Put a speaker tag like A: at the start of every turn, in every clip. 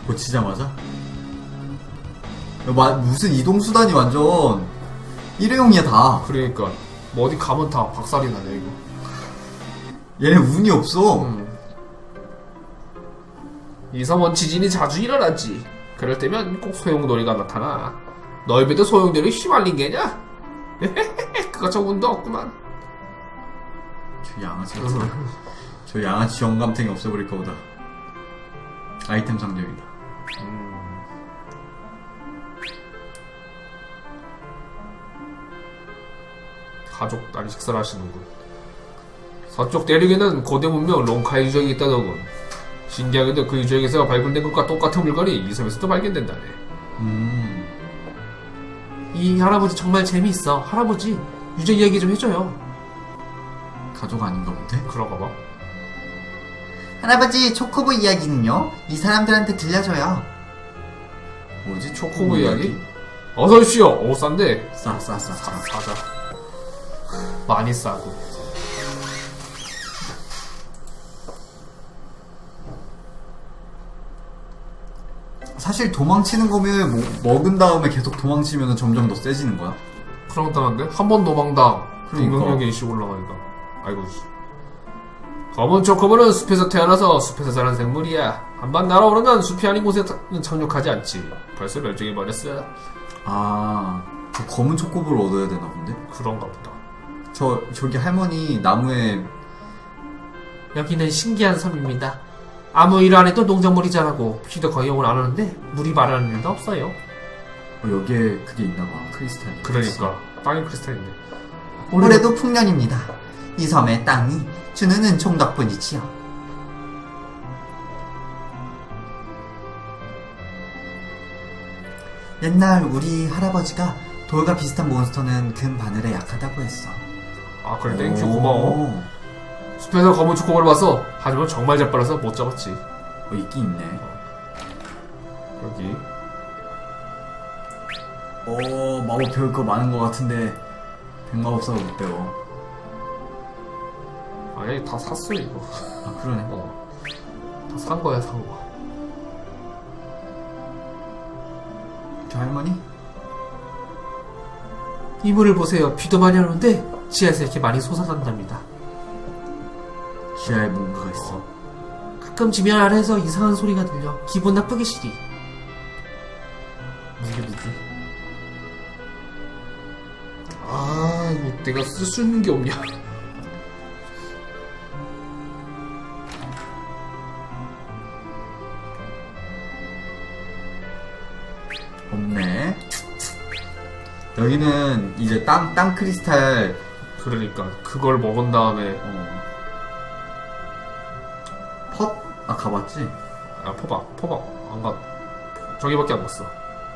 A: 고치자마자? 무슨 이동수단이 완전 일회용이야 다.
B: 그러니까 뭐 어디 가면 다 박살이 나네 이거.
A: 얘네 운이 없어.
B: 이섬원 지진이 자주 일어났지. 그럴 때면 꼭 소용돌이가 나타나. 널 배도 소용돌이 휘말린 게냐? 그거 저 운도 없구만.
A: 저 양아치 같은 저 양아치 영감탱이 없애버릴까 보다. 아이템 상점이다.
B: 가족 딸이 식사를 하시는군. 서쪽 대륙에는 고대 문명 롱카이 유적이 있다더군. 신기하게도 그 유적에서 발굴된 것과 똑같은 물건이 이 섬에서도 발견된다네. 이 할아버지 정말 재미있어. 할아버지 유적 이야기 좀 해줘요.
A: 가족 아닌가 본데?
B: 그런가 봐.
C: 할아버지, 초코보 이야기는요? 이 사람들한테 들려줘요.
A: 뭐지?
B: 초코보 이야기? 어서오시오. 오 싼데.
A: 싸싸싸.
B: 사자. 많이 싸고.
A: 사실 도망치는 거면 먹은 다음에 계속 도망치면 점점 더 세지는 거야?
B: 그렇다는데? 한 번 도망당
A: 그러니까.
B: 공격력이 일씩 올라가니까. 아이고. 검은 초코보는 숲에서 태어나서 숲에서 자란 생물이야. 한번 날아오르면 숲이 아닌 곳에는 착륙하지 않지. 벌써 멸종해버렸어.
A: 아, 그 검은 초코볼을 얻어야 되나 본데?
B: 그런가 보다.
A: 저기 할머니 나무에
B: 여기는 신기한 섬입니다. 아무 일 안 해도 농작물이 자라고 비도 거의 오늘 안 오는데 물이 마르는 일도 없어요.
A: 여기에 그게 있나봐. 크리스탈이.
B: 그러니까 땅이 크리스탈인데.
C: 올해도 풍년입니다. 이 섬의 땅이 주는 은총 덕분이지요. 옛날 우리 할아버지가 돌과 비슷한 몬스터는 금 바늘에 약하다고 했어.
B: 아 그래 땡큐 고마워. 숲에서 검은 초코볼을 봐서 하지만 정말 재빨라서 못 잡았지.
A: 있긴 있네.
B: 여기
A: 마법 배울 거 많은 거 같은데 백마법사가 못 배워.
B: 아니 다 샀어 이거.
A: 아 그러네.
B: 다 산 거야 산 거.
A: 저 할머니?
B: 이물을 보세요. 비도 많이 오는데 지하에서 이렇게 많이 솟아난답니다.
A: 지하에 뭔가가 있어.
B: 가끔 지면 아래에서 이상한 소리가 들려. 기분 나쁘게 시리.
A: 무게.
B: 아 이거 내가 쓸 수 있는 게 없냐.
A: 없네. 여기는 이제 땅 크리스탈.
B: 그러니까 그걸 먹은 다음에
A: 펫? 아 가봤지?
B: 아 포박 안 가. 저기밖에 안 갔어.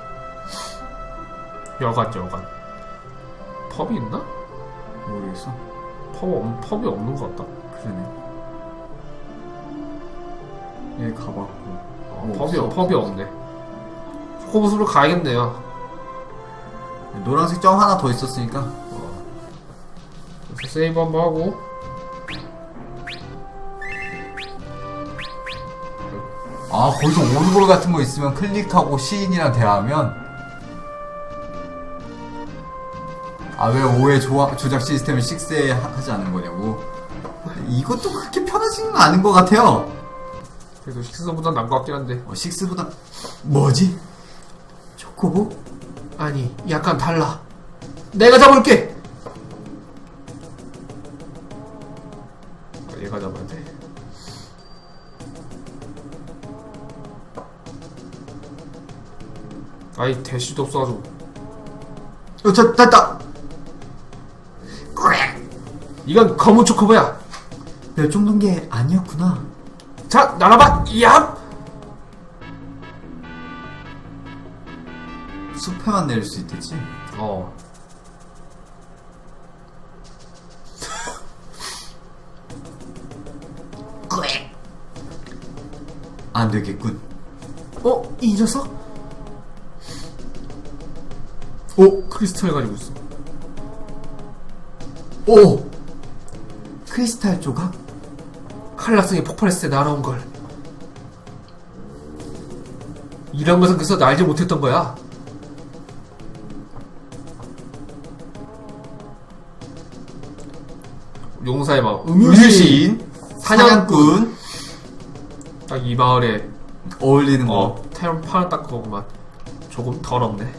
B: 여관 펍이 있나?
A: 모르겠어.
B: 펍이 없는 것 같다.
A: 그러네. 여기 가봤고.
B: 펍이 없네. 초코부스로 가야겠네요.
A: 노란색 점 하나 더 있었으니까.
B: 그래서 세이브 한번 하고.
A: 아 거기서 오르골 같은 거 있으면 클릭하고 시인이랑 대화하면. 아 왜 5의 조작 시스템을 6에 하지 않는 거냐고. 이것도 그렇게 편하지는 않은 것 같아요.
B: 그래도 6보단 나은 것 같긴 한데.
A: 6보다 뭐지? 초코보?
B: 아니 약간 달라. 내가 잡을게. 얘가 잡아야 돼. 아이 대시도 없어가지고.
A: 저 됐다.
B: 이건 검은 초코보야.
A: 멸종된 게 아니었구나.
B: 자 날아봐. 얍.
A: 숲에만 내릴 수 있겠지? 안 되겠군.
B: 이 녀석? 크리스탈 가지고 있어.
A: 오! 크리스탈 조각?
B: 칼락성이 폭발했을 때 날아온 걸. 이런 것은 그래서 나 알지 못했던 거야. 용사의 마을.
A: 음유시인, 사냥꾼.
B: 딱 이 마을에
A: 어울리는 거.
B: 태양 판을 딱 그거구만. 조금 더럽네.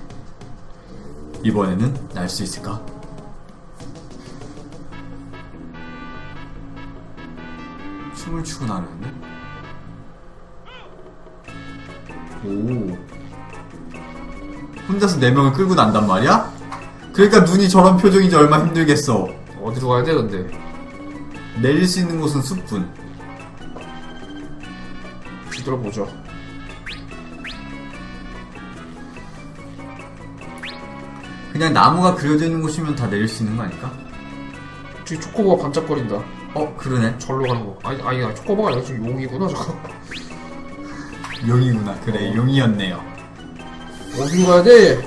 A: 이번에는 날 수 있을까? 춤을 추고 나르는데? 오. 혼자서 4명을 끌고 난단 말이야? 그러니까 눈이 저런 표정이지 얼마나 힘들겠어.
B: 어디로 가야 돼 근데?
A: 내릴 수 있는 곳은 숲뿐.
B: 뒤돌아보죠.
A: 그냥 나무가 그려져 있는 곳이면 다 내릴 수 있는 거 아닐까?
B: 뒤 초코보가 반짝거린다.
A: 그러네.
B: 절로 가는 거. 아니 초코보가 아니라 지금 용이구나 저거.
A: 용이구나. 그래, 용이었네요.
B: 어디로 가야 돼?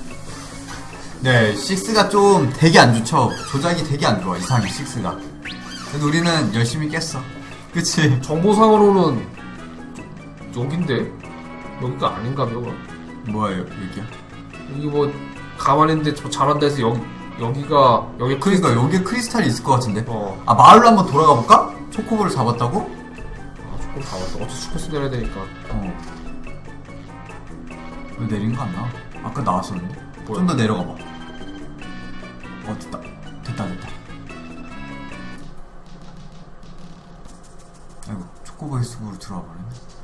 A: 네, 6가 좀 되게 안 좋죠. 조작이 되게 안 좋아, 이상해, 6가. 그래도 우리는 열심히 깼어. 그치?
B: 정보상으로는 여긴데? 여기가 아닌가요?
A: 뭐예요, 여기야?
B: 여기 뭐 가만히 있는데 저 잘한다 해서 여기가
A: 그러니까 여기에 크리스탈이 있을 것 같은데.
B: 어.
A: 아, 마을로 한번 돌아가 볼까? 초코볼을 잡았다고?
B: 아 조금 다 왔다. 어차피 숲에서 내려야 되니까.
A: 왜 내린 거 안 나와? 아까 나왔었는데.
B: 뭐야?
A: 좀 더 내려가 봐. 됐다. 됐다. 아이고, 초코볼 숲으로 들어와 버리네.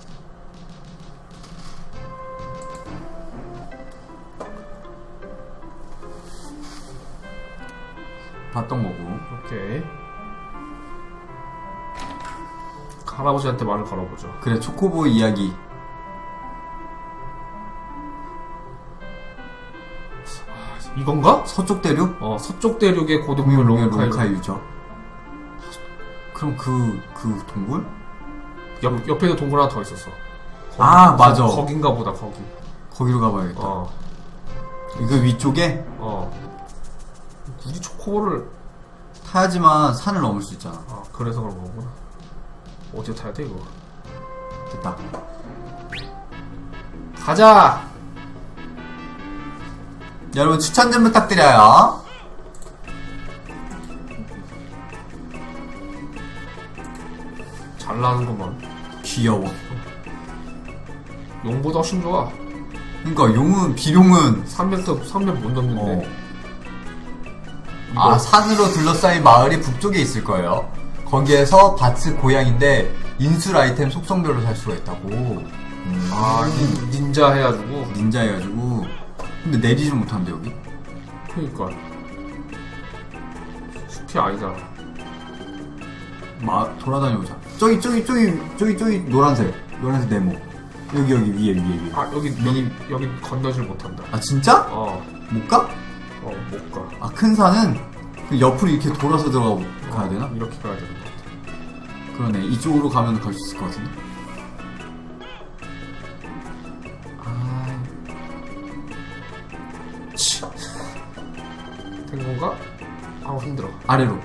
A: 봤던 거고.
B: 오케이. 할아버지한테 말을 걸어보죠.
A: 그래, 초코보이 이야기.
B: 이건가?
A: 서쪽 대륙?
B: 서쪽 대륙의 고등물 롱카이.
A: 롱카이 유적. 그럼 그 동굴?
B: 옆에도 동굴 하나 더 있었어.
A: 맞아.
B: 거긴가 보다, 거기.
A: 거기로 가봐야겠다. 이거 위쪽에
B: 굳이 초코볼을.
A: 타야지만 산을 넘을 수 있잖아.
B: 그래서 그런 거구나. 어디에 타야 돼, 이거?
A: 됐다.
B: 가자!
A: 여러분 추천 좀 부탁드려요.
B: 잘 나는구만.
A: 귀여워.
B: 용보다 훨씬 좋아.
A: 그러니까 비룡은
B: 300 못 넘는데.
A: 산으로 둘러싸인 마을이 북쪽에 있을 거예요. 거기에서 바츠 고향인데 인술 아이템 속성별로 살 수가 있다고.
B: 닌자 해가지고.
A: 닌자 해가지고. 근데 내리지 못한대 여기.
B: 그니까. 숲이 아니잖아.
A: 돌아다녀보자. 저기 노란색 네모. 여기 위에.
B: 여기 건너질 못한다.
A: 아 진짜? 못 가?
B: 못 가.
A: 큰 산은 그 옆으로 이렇게 돌아서 가야 되나?
B: 이렇게 가야 되는 것 같아.
A: 그러네. 이쪽으로 가면 갈 수 있을 것 같은데.
B: 된 건가? 힘들어.
A: 아래로.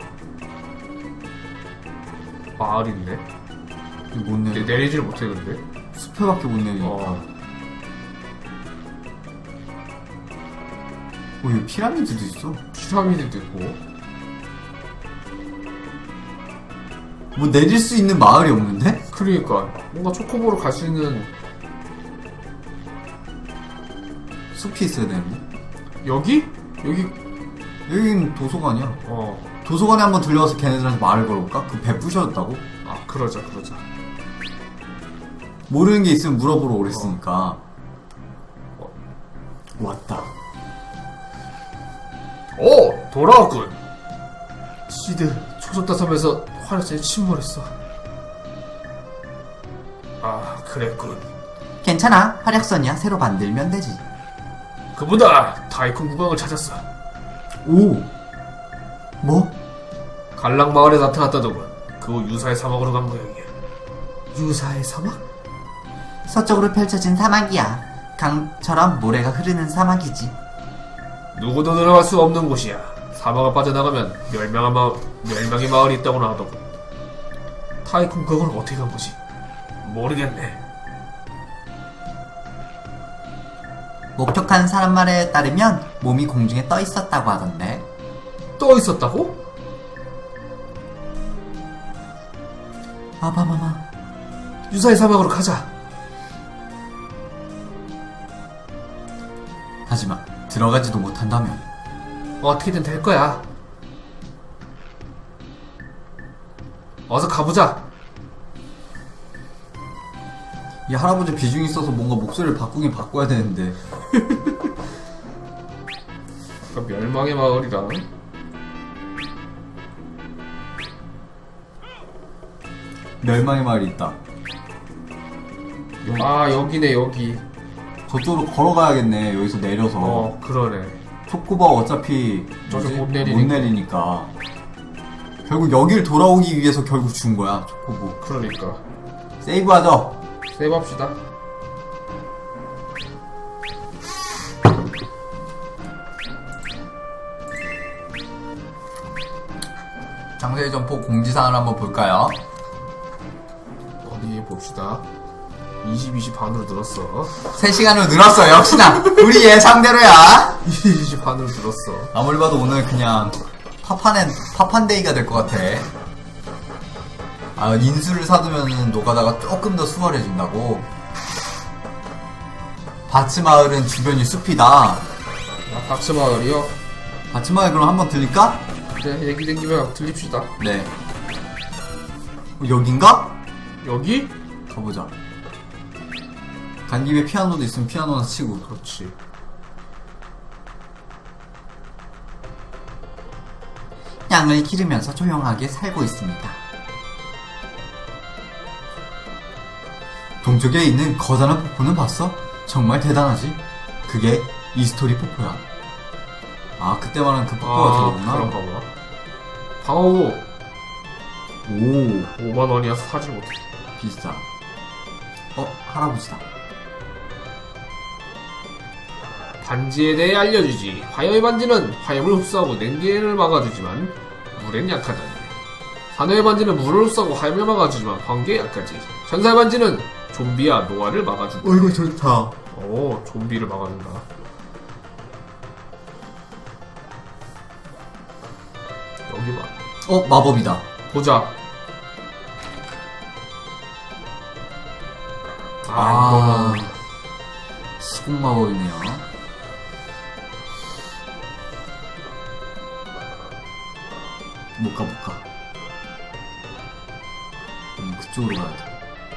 B: 마을 있네.
A: 못 내려.
B: 내리질 못해 근데.
A: 숲에밖에 못 내리니까. 여기 피라미드도 있어.
B: 피라미드도 있고.
A: 뭐 내릴 수 있는 마을이 없는데?
B: 그러니까 뭔가 초코보로 갈 수 있는.
A: 숲이 있어야 되는데. 여긴 도서관이야. 도서관에 한번 들려와서 걔네들한테 말을 걸어볼까? 그 배 부셔졌다고?
B: 그러자.
A: 모르는 게 있으면 물어보러 오랬으니까. 왔다.
B: 돌아왔군. 시드 초속다 섬에서 화력전이 침몰했어. 그랬군.
C: 괜찮아. 활약선이야. 새로 만들면 되지.
B: 그보다 타이쿤 국왕을 찾았어.
A: 뭐?
B: 갈랑 마을에 나타났다더군. 그 후 유사의 사막으로 간 모양이야.
C: 유사의 사막? 서쪽으로 펼쳐진 사막이야. 강처럼 모래가 흐르는 사막이지.
B: 누구도 들어갈 수 없는 곳이야. 사막을 빠져나가면 멸망의 마을이 있다고나 하더군. 타이쿤 그걸 어떻게 간 거지? 모르겠네.
C: 목격한 사람 말에 따르면 몸이 공중에 떠 있었다고 하던데.
B: 떠 있었다고?
C: 아바마마.
B: 유사의 사막으로 가자.
A: 하지만 들어가지도 못한다면
B: 어떻게든 될 거야. 어서 가보자.
A: 이 할아버지 비중이 있어서 뭔가 목소리를 바꾸긴 바꿔야 되는데.
B: 멸망의 마을이라.
A: 멸망의 마을이 있다.
B: 아, 여기네, 여기.
A: 저쪽으로 걸어가야겠네. 여기서 내려서.
B: 그러네.
A: 초코바 어차피
B: 저쪽
A: 뭐지?
B: 못 내리니까.
A: 결국 여길 돌아오기 위해서 결국 준 거야. 초코부.
B: 그러니까.
A: 세이브하자.
B: 세이브합시다.
A: 장세희 점포 공지사항을 한번 볼까요?
B: 어디 봅시다. 20 반으로 늘었어.
A: 3시간으로 늘었어. 역시나 우리 예상대로야.
B: 20 반으로 늘었어.
A: 아무리 봐도 오늘 그냥 파판데이가 될 것 같아. 아, 인수를 사두면은 노가다가 조금 더 수월해진다고. 바츠마을은 주변이 숲이다.
B: 아, 박스마을이요?
A: 바츠마을 그럼 한번 들릴까?
B: 네, 얘기 된 김에 들립시다.
A: 네. 여긴가?
B: 여기?
A: 가보자. 간 김에 피아노도 있으면 피아노나 치고.
B: 그렇지.
C: 양을 기르면서 조용하게 살고 있습니다.
A: 동쪽에 있는 거대한 폭포는 봤어? 정말 대단하지? 그게 이스토리 폭포야. 아, 그때 말한 그 폭포가 들어오구나.
B: 그런가 봐. 방어구
A: 오,
B: 5만원이어서 사지 못해.
A: 비싸. 할아버지다.
B: 반지에 대해 알려주지. 화염의 반지는 화염을 흡수하고 냉기를 막아주지만 물엔 약하다니. 산호의 반지는 물을 흡수하고 화염을 막아주지만 광기에 약하지. 천사의 반지는 좀비와 노화를 막아준다.
A: 이거 좋다.
B: 오, 좀비를 막아준다. 여기 봐.
A: 마법이다.
B: 보자.
A: 아,
B: 이거는
A: 시공 마법이네요. 못 가. 그쪽으로 가야 돼.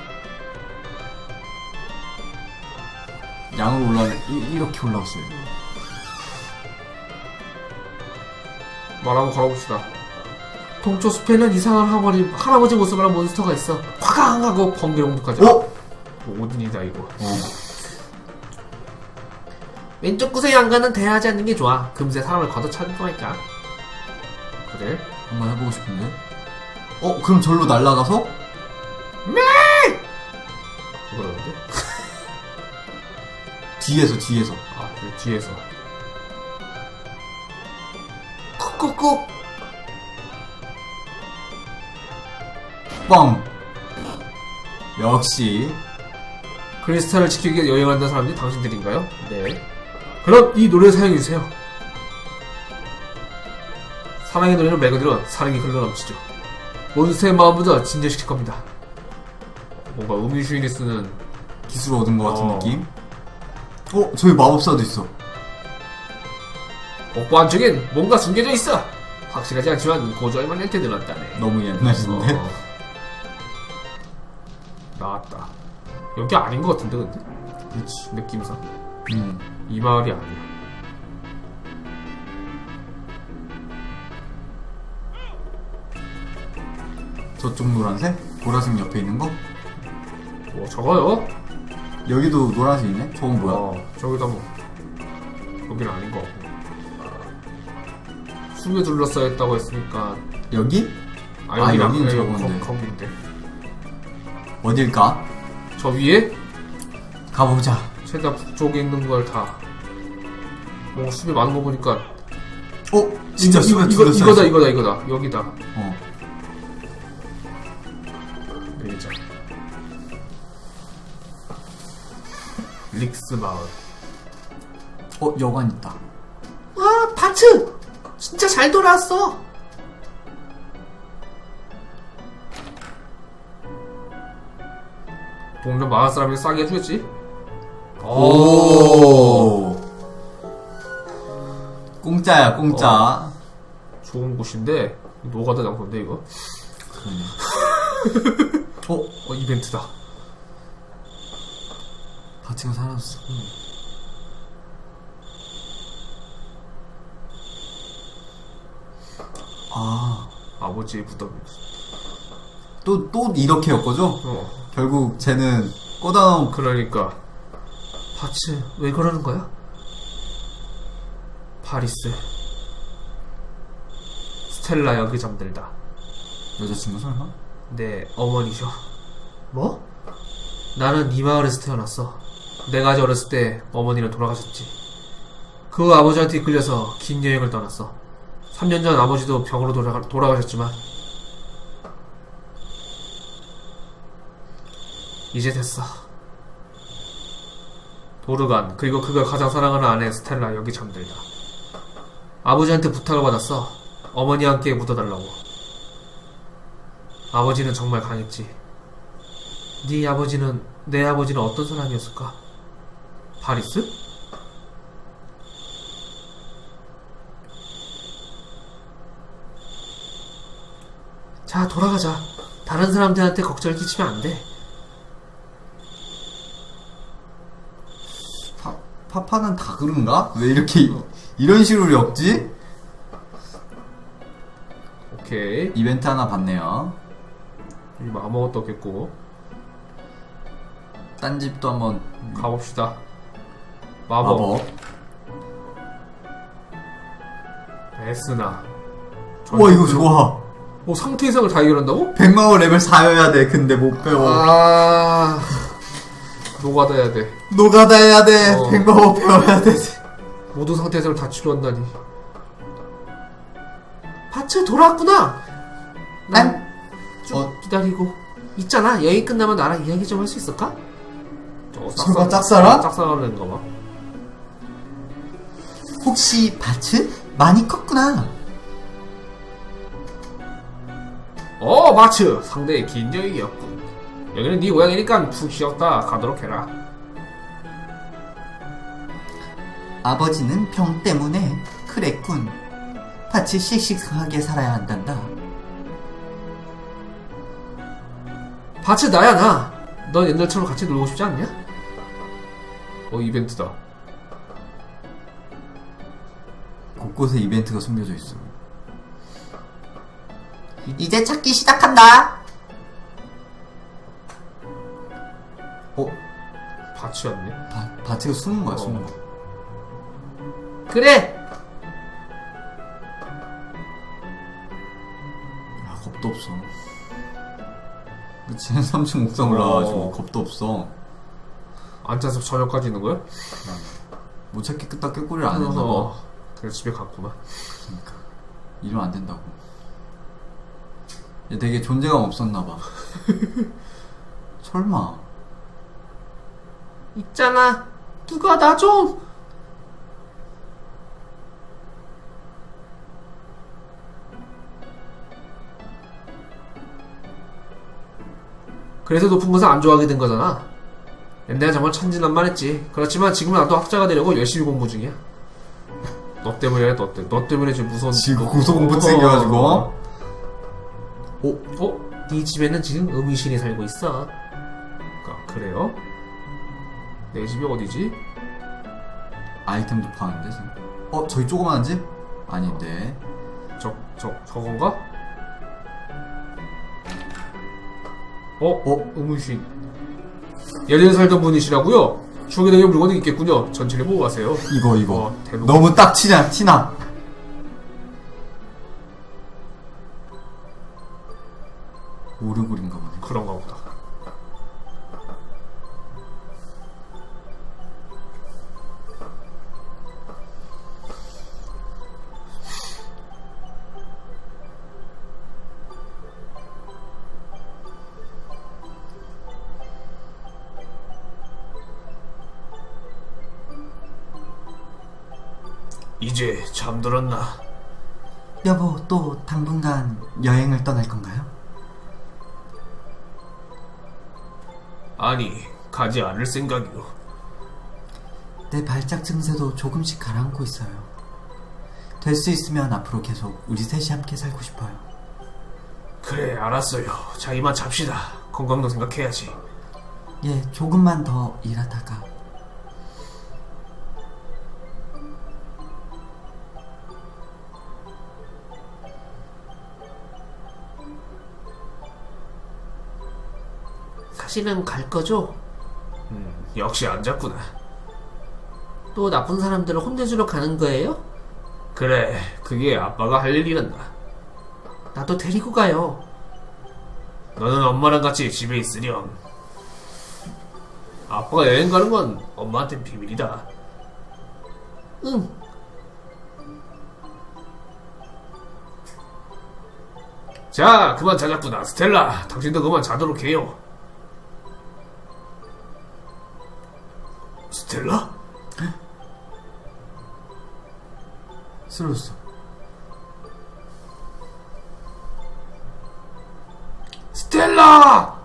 A: 양으로 이렇게 올라왔어요.
B: 말 한번 걸어봅시다. 동쪽 숲에는 이상한 할아버지 모습을 한 몬스터가 있어. 화강! 하고 번개를 공격하지. 오딘이다 이거. 왼쪽 구석의 양가는 대하지 않는 게 좋아. 금세 사람을 걷어차는 거니까. 그래?
A: 한번 해보고 싶은데. 그럼 절로 날아가서?
B: 그러는데?
A: 뒤에서.
B: 아, 그래, 뒤에서.
A: 쿡쿡쿡. 뻥. 역시.
B: 크리스탈을 지키기 위해 여행한다는 사람들이 당신들인가요? 네. 그럼 이 노래를 사용해주세요. 사랑의 노래는 말 그대로 사랑이 흘러넘치죠. 몬스터의 마음보다 진정시킬 겁니다. 뭔가 음유주인이 쓰는
A: 기술 얻은 것 같은 느낌? 저기 마법사도 있어.
B: 복부 안쪽엔 뭔가 숨겨져 있어. 확실하지 않지만 고조할만한테 늘었다네.
A: 너무 옛날인데?
B: 나왔다. 여기 아닌 것 같은데 근데?
A: 그치.
B: 느낌상 이 마을이 아니야.
A: 저쪽 노란색? 보라색 옆에 있는 거?
B: 뭐 저거요?
A: 여기도 노란색 있네? 저건 뭐야?
B: 저기다 뭐 여기는 아닌 것 같고. 숲에 둘러싸여 있다고 했으니까.
A: 여기? 여기는 저건데.
B: 거긴데.
A: 어딜까?
B: 저 위에?
A: 가보자.
B: 최대한 북쪽에 있는 걸 다. 뭐 숲이 많은 거 보니까.
A: 진짜 숲에 둘러싸여
B: 이거다. 여기다. 여기자. 릭스 마을.
A: 여관 있다.
B: 와, 바츠! 진짜 잘 돌아왔어! 동전 마을 사람이 싸게 해주겠지?
A: 오. 공짜야, 공짜.
B: 좋은 곳인데, 노가다 장소인데, 이거? 이벤트다.
A: 바치가 사라졌어. 아,
B: 아버지의 부담이.
A: 또 이렇게 엮어줘? 결국 쟤는 꼬다놓은
B: 그러니까. 바츠, 왜 그러는 거야? 파리스. 스텔라 여기 잠들다.
A: 여자친구 설마?
B: 내 어머니죠. 뭐? 나는 이 마을에서 태어났어. 내가 아직 어렸을 때 어머니는 돌아가셨지. 그 아버지한테 이끌려서 긴 여행을 떠났어. 3년 전 아버지도 병으로 돌아가셨지만 이제 됐어. 도르간, 그리고 그가 가장 사랑하는 아내 스텔라 여기 잠들다. 아버지한테 부탁을 받았어. 어머니와 함께 묻어달라고. 아버지는 정말 강했지. 네 아버지는, 내 아버지는 어떤 사람이었을까? 파리스? 자, 돌아가자. 다른 사람들한테 걱정을 끼치면 안 돼.
A: 파파는 다 그런가? 왜 이렇게 이런 식으로 엮지?
B: 오케이.
A: 이벤트 하나 봤네요.
B: 여기 뭐 아무것도 없겠고.
A: 딴 집도 한번
B: 가봅시다. 마법. 에스나.
A: 우와, 이거 좋아.
B: 뭐 상태 이상을 다 해결한다고?
A: 백마호 레벨 4여야 돼. 근데 못 배워.
B: 아, 노가다 해야 돼.
A: 노가다 해야 돼. 백마호 배워야 돼.
B: 모든 상태 이상을 다 치료한다니. 파츠 돌아왔구나. 난 쭉 기다리고 있잖아. 여행 끝나면 나랑 이야기 좀 할 수 있을까?
A: 설마 짝사랑?
B: 짝사랑하는 거 봐.
C: 혹시 바츠? 많이 컸구나.
B: 마츠! 상대의 긴 여행이었군. 여기는 네 고향이니까 푹 쉬었다 가도록 해라.
C: 아버지는 병 때문에 그랬군. 바츠 씩씩하게 살아야 한단다.
B: 바츠 나야 나. 넌 옛날처럼 같이 놀고 싶지 않냐? 이벤트다.
A: 곳곳에 이벤트가 숨겨져 있어.
C: 이제 찾기 시작한다.
B: 바츠였네.
A: 바치가 숨은 거야, 숨은 거.
B: 그래!
A: 야, 겁도 없어. 그치, 3층 옥상 올라가가지고 겁도 없어.
B: 앉아서 저녁까지 있는 거야?
A: 못 찾기 끄다 꾀꼬리를 안 했나 봐.
B: 그래서 집에 갔구나.
A: 그러니까 이러면 안 된다고. 얘 되게 존재감 없었나 봐. 설마.
B: 있잖아. 누가 나 좀. 그래서 높은 것을 안 좋아하게 된 거잖아. 옛날에 정말 천진난만했지. 그렇지만 지금은 나도 학자가 되려고 열심히 공부 중이야. 너 때문이야, 너 때문에 지금 무서운.
A: 지금 고소공포증 생겨가지고.
B: 네 집에는 지금 음이신이 살고 있어. 그래요? 내 집이 어디지?
A: 아이템도 파는데 지금. 저기 조그마한 집? 아닌데.
B: 저건가? 음이신. 예전에 살던 분이시라고요? 추억에 대한 물건이 있겠군요. 전체를 보고 가세요.
A: 이거.
B: 대놓고.
A: 너무 딱 티나. 오르골인가 보네.
B: 그런가 보다. 이제 잠들었나?
C: 여보, 또 당분간 여행을 떠날 건가요?
B: 아니, 가지 않을 생각이오.
C: 내 발작 증세도 조금씩 가라앉고 있어요. 될 수 있으면 앞으로 계속 우리 셋이 함께 살고 싶어요.
B: 그래, 알았어요. 자, 이만 잡시다. 건강도 생각해야지.
C: 예, 조금만 더 일하다가.
D: 사실은 갈 거죠?
B: 역시 안 잡구나.
D: 또 나쁜 사람들을 혼내주러 가는 거예요?
B: 그래, 그게 아빠가 할 일이란다.
D: 나도 데리고 가요.
B: 너는 엄마랑 같이 집에 있으렴. 아빠가 여행 가는 건 엄마한텐 비밀이다.
D: 응.
B: 자, 그만 자자꾸나. 스텔라, 당신도 그만 자도록 해요. 스텔라?
C: 쓰러졌어.
B: 스텔라!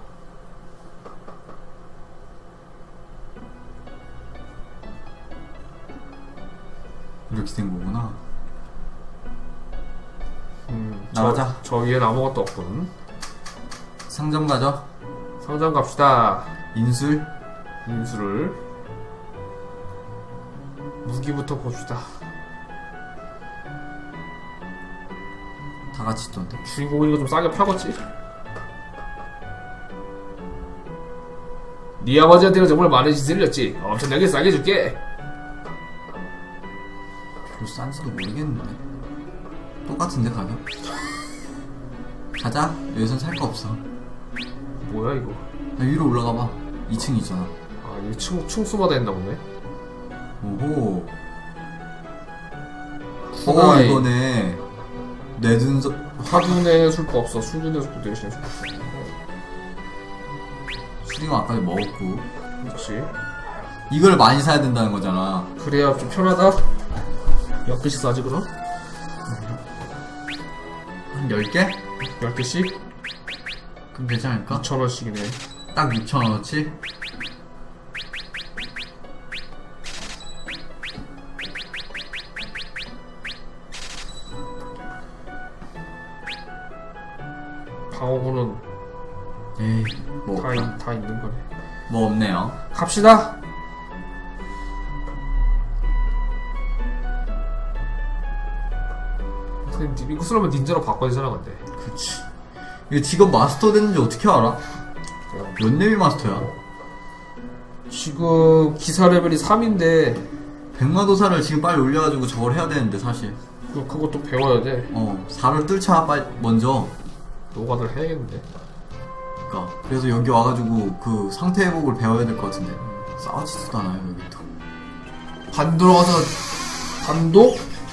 A: 이렇게 된 거구나. 나가자.
B: 저 위엔 아무것도 없군.
A: 상점 가자.
B: 상점 갑시다.
A: 인술.
B: 인수를. 무기부터 봅시다.
A: 다 같이 있던데.
B: 주인공이니까 좀 싸게 팔겠지? 네 아버지한테는 정말 많은 짓을 했지. 엄청나게 싸게 줄게.
A: 별로 싼지도 모르겠는데. 똑같은데 가격? 가자. 여기선 살 거 없어.
B: 뭐야 이거?
A: 야, 위로 올라가 봐. 2층 있잖아.
B: 아, 이게 층수마다 했나 보네.
A: 오호.
B: 후가이.
A: 이거네. 내둔서.
B: 화분에 술거 없어. 수준의 술거 대신에 술거 없어.
A: 수링 아까 먹었고.
B: 그렇지.
A: 이걸 많이 사야 된다는 거잖아.
B: 그래야 좀 편하다. 몇 개씩 사지 그럼?
A: 한 10개?
B: 10개씩?
A: 그럼 되지 않을까?
B: 2,000원씩이네.
A: 딱 6,000원어치?
B: 방어구는
A: 에이, 뭐,
B: 다 있는 거네.
A: 뭐 없네요.
B: 갑시다. 선생님, 이거 쓰려면 닌자로 바꿔야 되잖아, 근데.
A: 그치. 이거 직업 마스터 됐는지 어떻게 알아? 몇 레벨 마스터야?
B: 지금 기사 레벨이 3인데,
A: 백마도사를 지금 빨리 올려가지고 저걸 해야 되는데, 사실.
B: 그것도 배워야 돼.
A: 4를 뚫자, 빨리, 먼저.
B: 노가다를 해야겠는데.
A: 그니까. 그래서 여기 와가지고 그 상태 회복을 배워야 될 것 같은데. 싸우지도 않아요, 여기 또. 반도로 가서
B: 반도?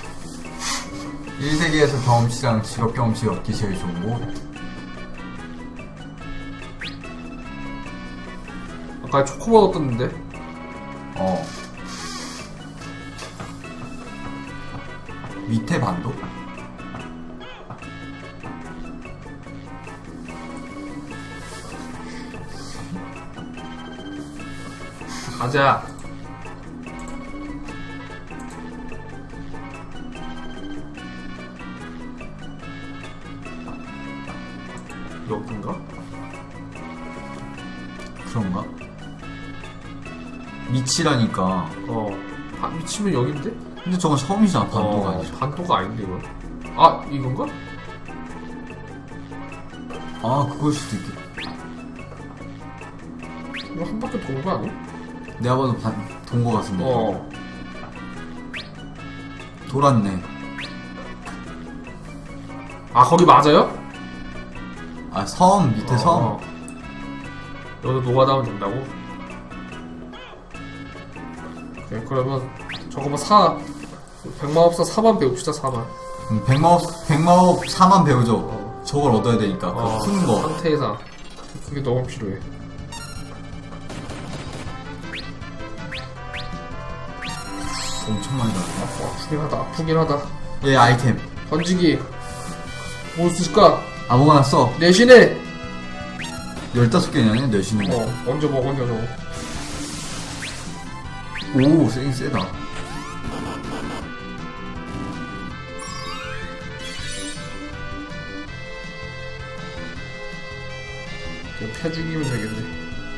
A: 1세계에서 경험치랑 직업 경험치 얻기 제일 좋은 거.
B: 아까 초코보 얻었는데?
A: 밑에 반도?
B: 가자. 여긴가?
A: 그런가? 미치라니까.
B: 미치면 여긴데?
A: 근데 저건 섬이잖아, 반도가 아니죠.
B: 반도가 아닌데, 이거. 아, 이건가?
A: 아, 그걸 수도 있겠다.
B: 이거 한 바퀴 도는 거 아니야?
A: 내가 봐도 돈 거 같은데. 돌았네.
B: 아, 거기 맞아요?
A: 아, 섬, 밑에 섬.
B: 여기서 노가다 하면 된다고? 네, 그러면 저거 뭐 백마법사 4만 배웁시다. 4만.
A: 백마법 4만 배우죠. 저걸 얻어야 되니까. 그 큰 거.
B: 상태에서 그게 너무 필요해.
A: 엄청 많이 나왔네.
B: 아프긴 하다. 아프긴 하다.
A: 얘 아이템.
B: 던지기. 뭐 쓸까?
A: 아무거나 써.
B: 내신에.
A: 15개냐, 내쉬는 거.
B: 얹어 먹어, 얹어 저거.
A: 오, 세긴 세다.
B: 그냥 패 죽이면 되겠네.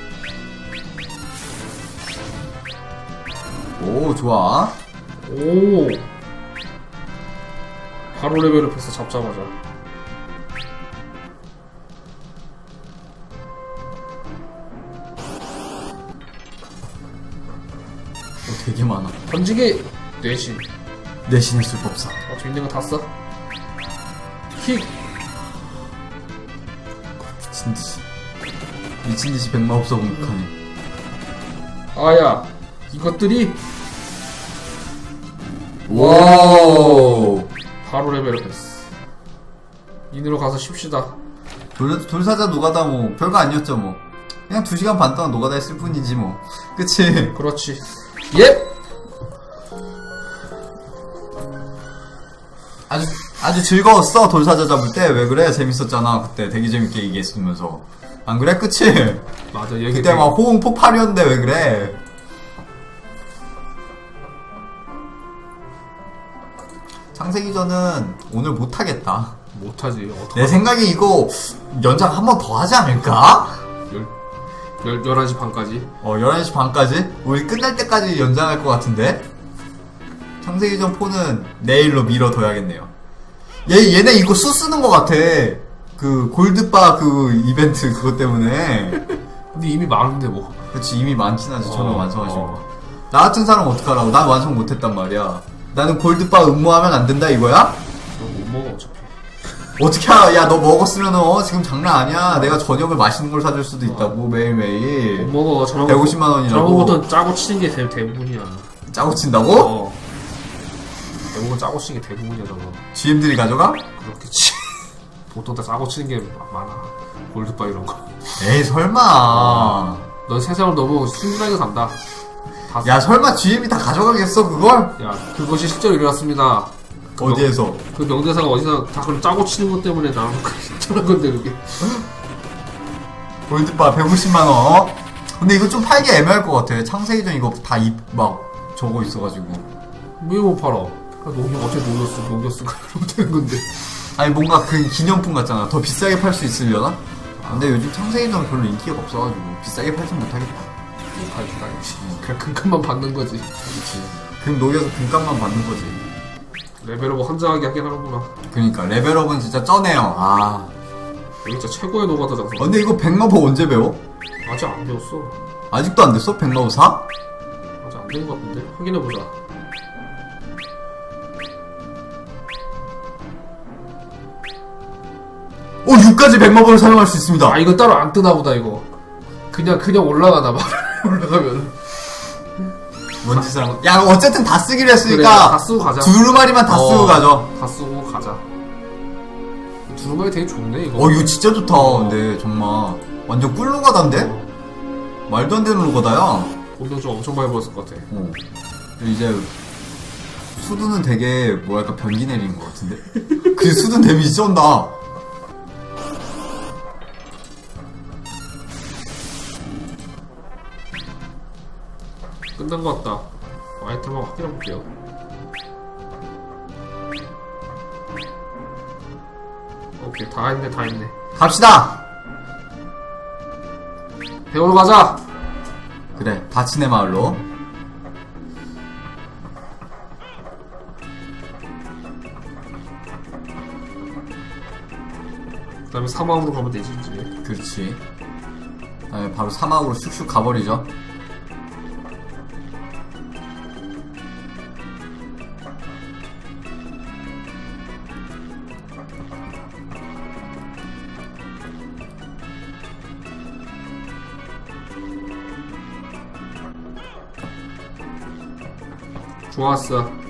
A: 오, 좋아.
B: 오. 바로 레벨업했어, 잡자마자.
A: 오, 되게 많아.
B: 던지기. 내신.
A: 내신의 술법사.
B: 저 있는 거 다 써. 킥.
A: 미친듯이. 미친듯이 백마법사 공격하네.
B: 아야. 이것들이
A: 오.
B: 바로 레벨업했어. 인으로 가서 쉽시다.
A: 돌사자 노가다 뭐 별거 아니었죠 뭐. 그냥 2시간 반 동안 노가다 했을 뿐이지 뭐. 그치?
B: 그렇지. 예.
A: 아주 즐거웠어 돌사자 잡을 때. 왜 그래? 재밌었잖아 그때. 되게 재밌게 얘기했으면서. 안 그래? 그치?
B: 맞아. 얘기
A: 그때 막 호응 폭발이었는데 왜 그래? 창세기전은 오늘 못하겠다.
B: 못하지. 어떡하...
A: 내 생각에 이거 연장 한 번 더 하지 않을까?
B: 11시 반까지.
A: 11시 반까지? 우리 끝날 때까지 연장할 것 같은데? 창세기전 4는 내일로 미뤄둬야겠네요. 얘네 이거 수 쓰는 것 같아. 그 골드바 그 이벤트 그것 때문에.
B: 근데 이미 많은데 뭐.
A: 그치, 이미 많긴 하지. 저는 완성하시고. 나 같은 사람 어떡하라고. 난 완성 못했단 말이야. 나는 골드바 음모하면 안 된다 이거야?
B: 너 못 먹어 어차피.
A: 어떻게 알아? 야, 너 먹었으면 지금 장난 아니야. 내가 저녁을 맛있는 걸 사줄 수도 있다고 매일매일.
B: 못 먹어.
A: 150만 원이라고.
B: 저런 거보단 짜고 치는 게 대부분이야.
A: 짜고 친다고?
B: 대부분 짜고 치는 게 대부분이야 저거.
A: GM들이 가져가?
B: 그렇겠지. 보통 다 짜고 치는 게 많아. 골드바 이런 거.
A: 에이, 설마.
B: 넌 세상을 너무 순진하게 산다. 다
A: 야, 설마 GM이 다 가져가겠어, 그걸?
B: 야, 그것이 실제로 일어났습니다.
A: 어디에서?
B: 그 명대사가 어디서 다 그런 짜고 치는 것 때문에 나온 그런 건데 그게.
A: 골드바 150만 원. 근데 이거 좀 팔기 애매할 것 같아. 창세기전 이거 다 막 저거 있어가지고.
B: 왜 못 팔아? 어차피 녹였어. 그러면 되는 건데.
A: 아니 뭔가 그 기념품 같잖아. 더 비싸게 팔 수 있으려나? 근데 요즘 창세기전 별로 인기가 없어가지고 비싸게 팔진 못하겠다.
B: 못 팔겠다 역시. 그냥 금값만 받는 거지.
A: 그렇지. 금 녹여서 금값만 받는 거지.
B: 레벨업 환장하게 하긴 하는구나.
A: 그니까 레벨업은 진짜 쩌네요. 아.
B: 여기 진짜 최고의 노가다 장소.
A: 근데 이거 백마법 언제 배워?
B: 아직 안 배웠어.
A: 아직도 안 됐어? 백마법 4?
B: 아직 안 된 것 같은데? 확인해보자.
A: 오, 6까지 백마법을 사용할 수 있습니다.
B: 아, 이거 따로 안 뜨나 보다 이거. 그냥 올라가나 봐. 올라가면.
A: 뭔지 사람. 야, 어쨌든 다 쓰기로 했으니까.
B: 그래, 다 쓰고 가자.
A: 두루마리만 다 쓰고 가죠.
B: 다 쓰고 가자. 두루마리 되게 좋네 이거.
A: 이거 진짜 좋다. 근데 정말 완전 꿀로 가단데? 말도 안 되는 로가다야.
B: 돈도 좀 엄청 많이 벌었을 것 같아.
A: 이제 수두는 되게 뭐랄까 변기 내리는 것 같은데? 그 수두는 데미지 쩐다.
B: 끝난 것 같다. 아이템 한번 확인해볼게요. 오케이, 다 했네.
A: 갑시다.
B: 배우러 가자.
A: 그래, 다치네 마을로.
B: 그 다음에 사막으로 가면 되지 이제.
A: 그렇지. 그다음에 바로 사막으로 슉슉 가버리죠.
B: 좋았어.